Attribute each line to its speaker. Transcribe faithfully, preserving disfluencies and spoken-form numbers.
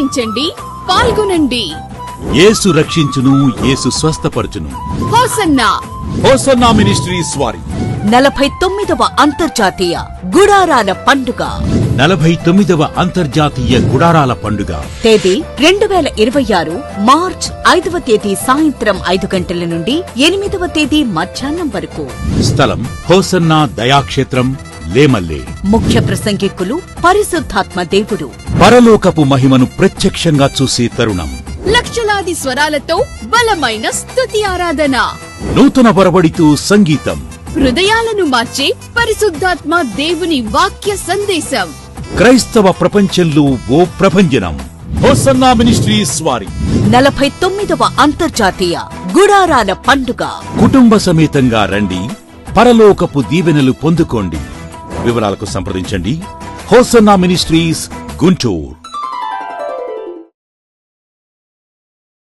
Speaker 1: ఆలకించండి, పాల్గొనండి.
Speaker 2: యేసు రక్షించును, యేసు స్వస్థపరచును.
Speaker 1: హోసన్నా
Speaker 2: హోసన్నా మినిస్ట్రీస్ వారి
Speaker 3: నలభై తొమ్మిదవ అంతర్జాతీయ గుడారాల పండుగ.
Speaker 2: నలభై తొమ్మిదవ అంతర్జాతీయ గుడారాల పండుగ
Speaker 3: తేదీ రెండు వేల ఇరవై ఆరు మార్చ్ ఐదవ తేదీ సాయంత్రం ఐదు గంటల నుండి ఎనిమిదవ తేదీ మధ్యాహ్నం వరకు.
Speaker 2: స్థలం హోసన్నా దయాక్షేత్రం, లేమల్లే.
Speaker 3: ముఖ్య ప్రసంగికులు పరిశుద్ధాత్మ దేవుడు.
Speaker 2: పరలోకపు మహిమను ప్రత్యక్షంగా చూసే తరుణం.
Speaker 1: లక్షలాది స్వరాలతో బలమైన స్తుతి ఆరాధన.
Speaker 2: నూతన వరవడితో సంగీతం.
Speaker 1: హృదయాలను మార్చే పరిశుద్ధాత్మ దేవుని వాక్య సందేశం.
Speaker 2: క్రైస్తవ ప్రపంచంలో ఓ ప్రభంజనం. హోసన్నా మినిస్ట్రీస్ వారి
Speaker 3: నలభై తొమ్మిదవ అంతర్జాతీయ గుడారాల పండుగ.
Speaker 2: కుటుంబ సమేతంగా రండి, పరలోకపు దీవెనలు పొందుకోండి. వివరాలకు సంప్రదించండి హోసన్నా మినిస్ట్రీస్, గుంటూరు.